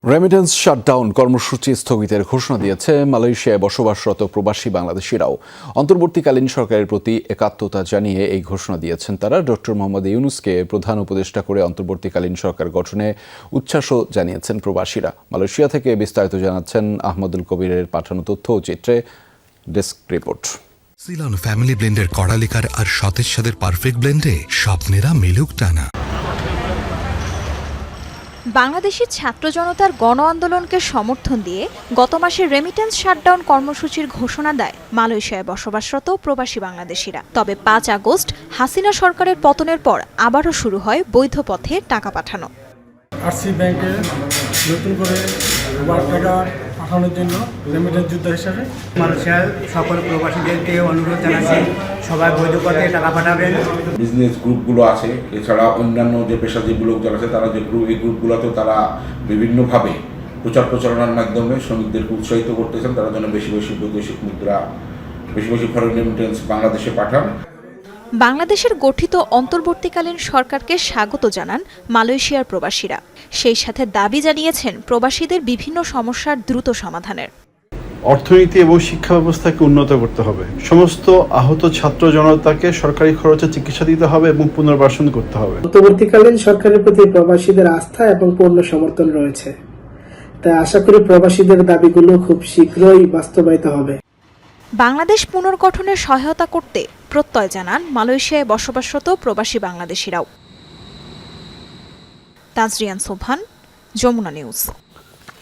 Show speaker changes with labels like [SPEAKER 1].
[SPEAKER 1] Remittance shutdown কর্মসূচি স্থগিতের ঘোষণা দিয়েছে মালয়েশিয়ায় বসবাসরত প্রবাসী বাংলাদেশিরাও। অন্তর্বর্তীকালীন সরকারের প্রতি একাত্মতা জানিয়ে এই ঘোষণা দিয়েছেন তারা। ডক্টর মোহাম্মদ ইউনূসকে প্রধান উপদেষ্টা করে অন্তর্বর্তীকালীন সরকার গঠনে উচ্ছ্বাসও জানিয়েছেন প্রবাসীরা। মালয়েশিয়া থেকে বিস্তারিত জানাচ্ছেন আহমদুল কবিরের পাঠানো তথ্য ও চিত্রে। Desk report.
[SPEAKER 2] সিলন ফ্যামিলি ব্লেন্ডের কড়ালিকার আর সতেজ স্বাদের পারফেক্ট ব্লেন্ডে স্বপ্নেরা মেলুক টানা।
[SPEAKER 3] বাংলাদেশের ছাত্র জনতার গণ আন্দোলনকে সমর্থন দিয়ে গত মাসে রেমিটেন্স শাটডাউন কর্মসূচির ঘোষণা দেয় মালয়েশিয়ায় বসবাসরত প্রবাসী বাংলাদেশিরা। তবে ৫ আগস্ট হাসিনা সরকারের পতনের পর আবারও শুরু হয় বৈধ পথে টাকা পাঠানো।
[SPEAKER 4] আরসি ব্যাংকে নতুন করে টাকা পাঠানোর জন্য রেমিটেন্স যোদ্ধা হিসাবে
[SPEAKER 5] মালয়েশিয়ার সকল প্রবাসীদেরকে অনুরোধ জানাচ্ছি সবাই বৈধ পথে টাকা পাঠাবেন।
[SPEAKER 6] বিজনেস গ্রুপগুলো আছে, এছাড়া অন্যান্য যে পেশাজীবী লোক যারা আছে তারা যে এই গ্রুপগুলোতেও তারা বিভিন্নভাবে প্রচারণার মাধ্যমে শ্রমিকদেরকে উৎসাহিত করতেছেন তারা যেন বেশি বেশি বৈদেশিক মুদ্রা, বেশি বেশি ফরেন রেমিটেন্স বাংলাদেশে পাঠান।
[SPEAKER 3] বাংলাদেশের গঠিত অন্তর্বর্তীকালীন সরকারকে স্বাগত জানান মালয়েশিয়ার প্রবাসীরা। সেই সাথে দাবি জানিয়েছেন প্রবাসীদের বিভিন্ন সমস্যার দ্রুত সমাধানের।
[SPEAKER 7] অর্থনীতি এবং শিক্ষা ব্যবস্থাকে উন্নত করতে হবে। সমস্ত আহত ছাত্র জনতাকে সরকারি খরচে চিকিৎসা দিতে হবে এবং পুনর্বাসন করতে হবে।
[SPEAKER 8] অন্তর্বর্তীকালীন সরকারের প্রতি প্রবাসীদের আস্থা এবং পূর্ণ সমর্থন রয়েছে, তাই আশা করি প্রবাসীদের দাবিগুলো খুব শীঘ্রই বাস্তবায়িত হবে।
[SPEAKER 3] বাংলাদেশ পুনর্গঠনের সহায়তা করতে প্রত্যয় জানান মালয়েশিয়ায় বসবাসরত প্রবাসী বাংলাদেশিরাও। তাজরিয়ান সোবহান, যমুনা নিউজ।